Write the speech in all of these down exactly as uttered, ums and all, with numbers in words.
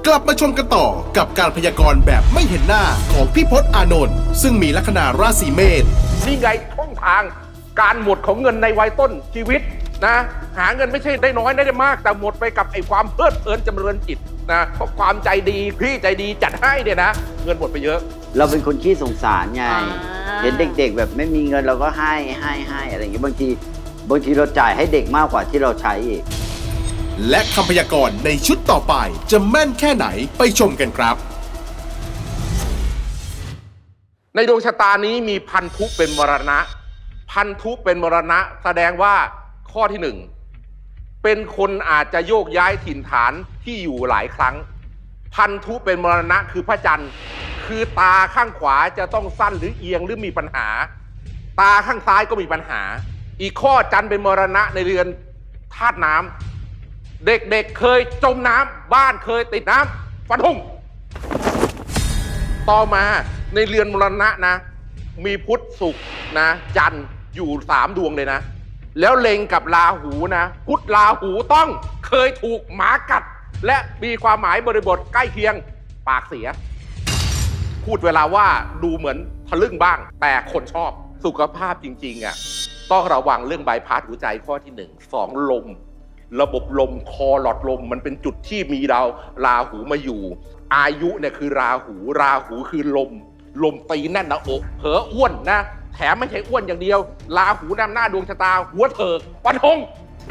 กลับมาชมกันต่อกับการพยากรณ์แบบไม่เห็นหน้าของพี่พจน์อานนท์ซึ่งมีลัคนาราศีเมษนี่ไงช่องทางการหมดของเงินในวัยต้นชีวิตนะหาเงินไม่ใช่ได้น้อยได้มากแต่หมดไปกับไอ้ความเพลิดเพลินจำเริญจิตนะเพราะความใจดีพี่ใจดีจัดให้เนี่ยนะเงินหมดไปเยอะเราเป็นคนขี้สงสารไงเห็นเด็กๆแบบไม่มีเงินเราก็ให้ให้ให้อะไรอย่างเงี้ยบางทีบางทีเราจ่ายให้เด็กมากกว่าที่เราใช้อีกและคำพยากรณ์ในชุดต่อไปจะแม่นแค่ไหนไปชมกันครับในดวงชะตานี้มีพันธุเป็นมรณะพันธุเป็นมรณะแสดงว่าข้อที่หนึ่งเป็นคนอาจจะโยกย้ายถิ่นฐานที่อยู่หลายครั้งพันธุเป็นมรณะคือพระจันทร์คือตาข้างขวาจะต้องสั้นหรือเอียงหรือมีปัญหาตาข้างซ้ายก็มีปัญหาอีกข้อจันทร์เป็นมรณะในเรือนธาตุน้ำเด็กๆ เเคยจมน้ำบ้านเคยติดน้ำฟันธงต่อมาในเรือนมรณะนะมีพุธศุกร์นะจันทร์อยู่สามดวงเลยนะแล้วเล็งกับราหูนะพุธราหูต้องเคยถูกหมากัดและมีความหมายบริบทใกล้เคียงปากเสียพูดเวลาว่าดูเหมือนทะลึ่งบ้างแต่คนชอบสุขภาพจริงๆอ่ะต้องระวังเรื่องใบพัดหัวใจข้อที่หนึ่งสองลมระบบลมคอหลอดลมมันเป็นจุดที่มีดาวราหูมาอยู่อายุเนี่ยคือราหูราหูคือลมลมตีแน่นหน้าอกเผลออ้วนนะแถมไม่ใช่อ้วนอย่างเดียวราหูนำหน้าดวงชะตาหัวเถิกฟันธง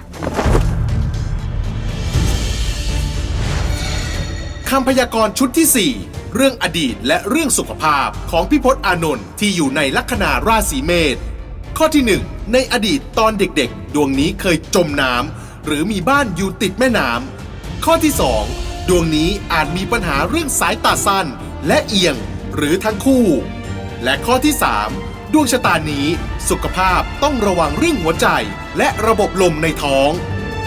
คำพยากรณ์ชุดที่สี่เรื่องอดีตและเรื่องสุขภาพของพี่พจน์อานนท์ที่อยู่ในลัคนาราศีเมษข้อที่หนึ่งในอดีตตอนเด็กๆดวงนี้เคยจมน้ำหรือมีบ้านอยู่ติดแม่น้ำข้อที่สองดวงนี้อาจมีปัญหาเรื่องสายตาสั้นและเอียงหรือทั้งคู่และข้อที่สามดวงชะตานี้สุขภาพต้องระวังเรื่องหัวใจและระบบลมในท้อง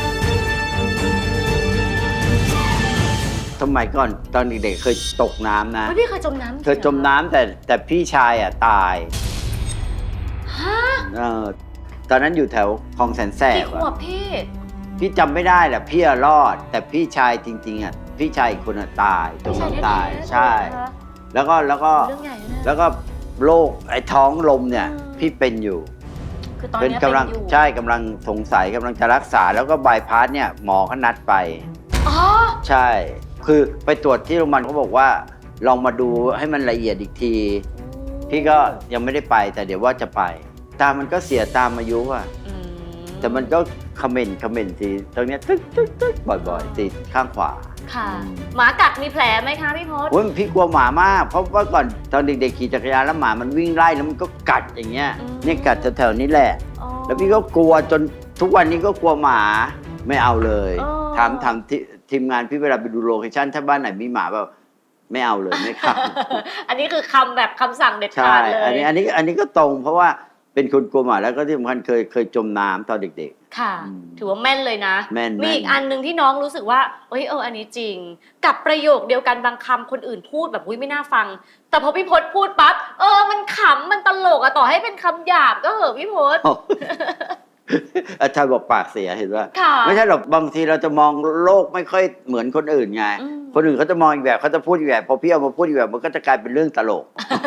สมัยก่อนตอนเด็กๆเคยตกน้ำนะพี่เคยจมน้ำเคยจมน้ำแต่แต่พี่ชายอ่ะตายฮะเออตอนนั้นอยู่แถวคลองแสนแสบกี่ขวบพี่พี่จำไม่ได้แหละพี่รอดแต่พี่ชายจริงๆอ่ะพี่ชายอีกคนอ่ะตายจมน้ำตายใช่แล้วก็แล้วก็แล้วก็โรคไอ้ท้องลมเนี่ยพี่เป็นอยู่เป็นกำลังใช่กำลังสงสัยกำลังจะรักษาแล้วก็บายพาสเนี่ยหมอเขานัดไปอ๋อใช่คือไปตรวจที่โรงพยาบาลเขาบอกว่าลองมาดูให้มันละเอียดอีกทีพี่ก็ยังไม่ได้ไปแต่เดี๋ยวว่าจะไปตามันก็เสียตามอายุอ่ะแต่มันก็คอมเมนต์คอมเมนต์ทีตรงนี้ตึ๊กตึ๊กตึ๊กบ่อยๆติดข้างขวาค่ะหมากัดมีแผลไหมคะพี่พจน์โอ้ยพี่กลัวหมามากเพราะว่าก่อนตอนเด็กๆขี่จักรยานแล้วหมามันวิ่งไล่แล้วมันก็กัดอย่างเงี้ยเนี่ยกัดแถวๆนี้แหละแล้วพี่ก็กลัวจนทุกวันนี้ก็กลัวหมาไม่เอาเลยถามถามทีมงานพี่เวลาไปดูโลเคชั่นถ้าบ้านไหนมีหมาแบบไม่เอาเลยไม่ครับอันนี้คือคำแบบคำสั่งเด็ดขาดเลยอันนี้อันนี้อันนี้ก็ตรงเพราะว่าเป็นคนกลัวหมาแล้วก็ที่สำคัญเคยเคยจมน้ำตอนเด็กๆค่ะถือว่าแม่นเลยนะแม่นมีอีกอันนึงที่น้องรู้สึกว่าเอ้ยเอออันนี้จริงกับประโยคเดียวกันบางคำคนอื่นพูดแบบอุ้ยไม่น่าฟังแต่พอพี่พจน์พูดปั๊บเออมันขำมันตลกอะต่อให้เป็นคำหยาบก็เหอะพี่พจน์อาจารย์บอกปากเสียเห็นว่าไม่ใช่หรอกบางทีเราจะมองโลกไม่ค่อยเหมือนคนอื่นไงคนอื่นเขาจะมองอีกแบบเขาจะพูดอีกแบบพอพี่เอามาพูดอีกแบบมันก็จะกลายเป็นเรื่องตลก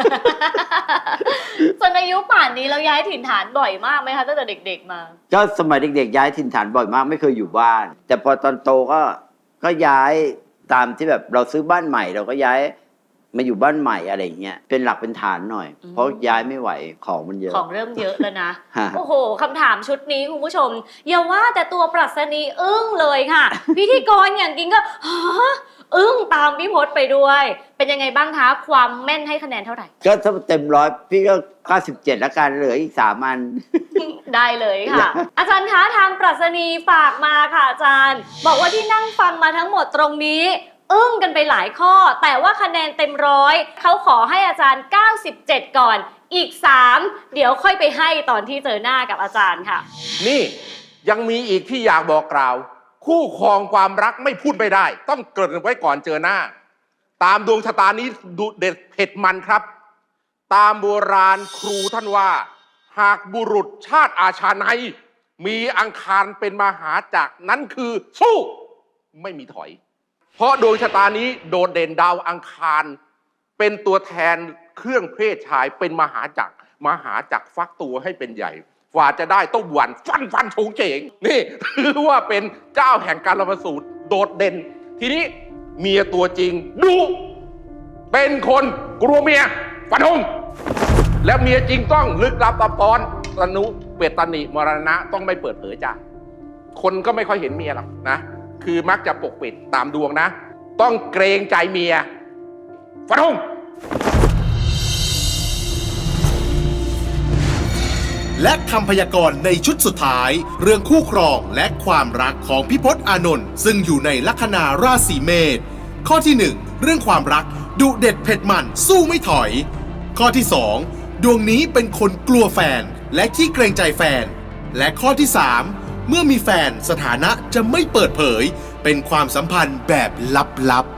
ส่วนอายุป่านนี้เราย้ายถิ่นฐานบ่อยมากไหมคะตั้งแต่เด็กๆมาก็สมัยเด็กๆย้ายถิ่นฐานบ่อยมากไม่เคยอยู่บ้านแต่พอตอนโตก็ก็ย้ายตามที่แบบเราซื้อบ้านใหม่เราก็ย้ายมาอยู่บ้านใหม่อะไรเงี้ยเป็นหลักเป็นฐานหน่อยเพราะย้ายไม่ไหวของมันเยอะของเริ่มเยอะแล้วนะ โอ้โหคำถามชุดนี้คุณผู้ชมอย่าว่าแต่ตัวปรัชนีอึ้งเลยค่ะ พิธีกรอย่างกิงก็ฮะอึ้งตามพี่พจน์ไปด้วยเป็นยังไงบ้างคะความแม่นให้คะแนนเท่าไหร่ก็ถ้าเต็มร้อยพี่ก็เก้าสิบเจ็ดแล้วกันเหลืออีกสามอันได้เลยค่ะ อาจารย์คะทางปรัชนีฝากมาค่ะอาจารย์บอกว่าที่นั่งฟังมาทั้งหมดตรงนี้อึ้งกันไปหลายข้อแต่ว่าคะแนนเต็มร้อยเขาขอให้อาจารย์เก้าสิบเจ็ดก่อนอีกสามเดี๋ยวค่อยไปให้ตอนที่เจอหน้ากับอาจารย์ค่ะนี่ยังมีอีกที่อยากบอกกล่าวคู่ครองความรักไม่พูดไม่ได้ต้องเกริ่นไว้ก่อนเจอหน้าตามดวงชะตานี้ดุเด็ดเผ็ดมันครับตามโบราณครูท่านว่าหากบุรุษชาติอาชาไนยมีอังคารเป็นมหาจักรนั้นคือสู้ไม่มีถอยเพราะดวงชะตานี้โดดเด่นดาวอังคาร เป็นตัวแทนเครื่องเพศชายเป็นมหาจักรมหาจักรฟักตัวให้เป็นใหญ่กว่าจะได้ต้องหวันฟันฟันโฉงเฉงนี่ถือว่าเป็นเจ้าแห่งการละสูตรโดดเด่น ทีนี้เมียตัวจริงดุเป็นคนกลัวเมียฟันธงแล้วเมียจริงต้องลึกลับซับซ้อนตนุเวตนิมรณะต้องไม่เปิดเผยจ้ะคนก็ไม่ค่อยเห็นเมียหรอกนะคือมักจะปกปิดตามดวงนะต้องเกรงใจเมียฟันธงและคำพยากรณ์ในชุดสุดท้ายเรื่องคู่ครองและความรักของพี่พจน์อานนท์ซึ่งอยู่ในลัคนาราศีเมษข้อที่หนึ่งเรื่องความรักดุเด็ดเผ็ดมันสู้ไม่ถอยข้อที่สองดวงนี้เป็นคนกลัวแฟนและขี้เกรงใจแฟนและข้อที่สามเมื่อมีแฟนสถานะจะไม่เปิดเผยเป็นความสัมพันธ์แบบลับๆ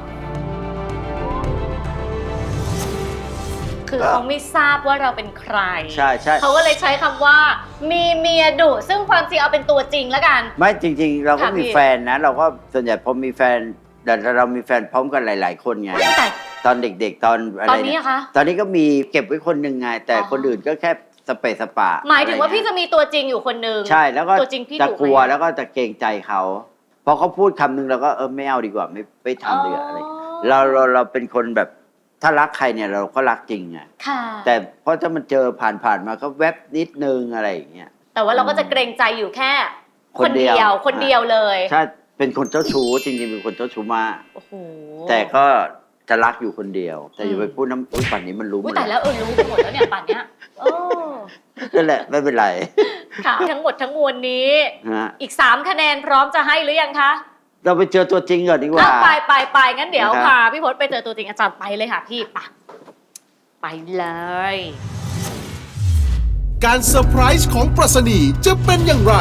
คือเขาไม่ทราบว่าเราเป็นใครใช่ใช่เขาก็เลยใช้คำว่า มีเมียดุซึ่งความจริงเอาเป็นตัวจริงแล้วกันไม่จริงๆ เราก็ค่ะพี่มีแฟนนะ เราก็ส่วนใหญ่พอมีแฟนแต่เรามีแฟนพร้อมกันหลาย ๆ คนไงแต่ตอนเด็กๆ ตอนอะไรตอนนี้เยอะคะตอนนี้ก็มีเก็บไว้คนหนึ่งไง แต่อ๋อคนอื่นก็แค่สเปซสปะหมายถึงว่าอะไรพี่เงี้จะมีตัวจริงอยู่คนหนึ่งใช่แล้วก็ตัวจริงพี่จะดุไหมกลัวแล้วก็จะเกรงใจเขาพอเขาพูดคำหนึงเราก็เออไม่เอาดีกว่าไม่ไม่ทำดีกว่าอะไรเราเราเราเป็นคนแบบถ้ารักใครเนี่ยเราก็รักจริงไงค่ะแต่เพราะถ้ามันเจอผ่านผ่านๆมาก็แวบนิดนึงอะไรอย่างเงี้ยแต่ว่าเราก็จะเกรงใจอยู่แค่คคน นเดีเดียวยว คนเดียวเลยใช่เป็นคนเจ้าชู้จริงๆเป็นคนเจ้าชู้มากโอ้โหแต่ก็จะรักอยู่คนเดียว แต่อย่าอืมไปพูดน้ำอุ้ยป่านนี้มันรู้หมอุ้ยดแต่แล้วเออรู้กันหมดแล้วเนี่ยป่านเนี้ยโอ้นั่นแหละไม่เป็นไรค่ะ ทั้งหมดทั้งมวลนี้ฮะอีกสามคะแนนพร้อมจะให้หรือยังคะเราไปเจอตัวจริงก่อนดีกว่าอ่ะไปไปไปงั้นเดี๋ยวนะครับพาพี่พจน์ไปเจอตัวจริงอาจารย์ไปเลยค่ะพี่ไปไปเลยการเซอร์ไพรส์ของปรัชนีจะเป็นอย่างไร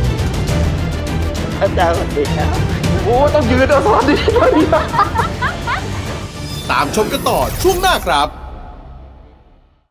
อาจารย์สวัสดีครับโอ้ต้องยืนเอาสวัสดีด้วยตามชมกันต่อช่วงหน้าครับ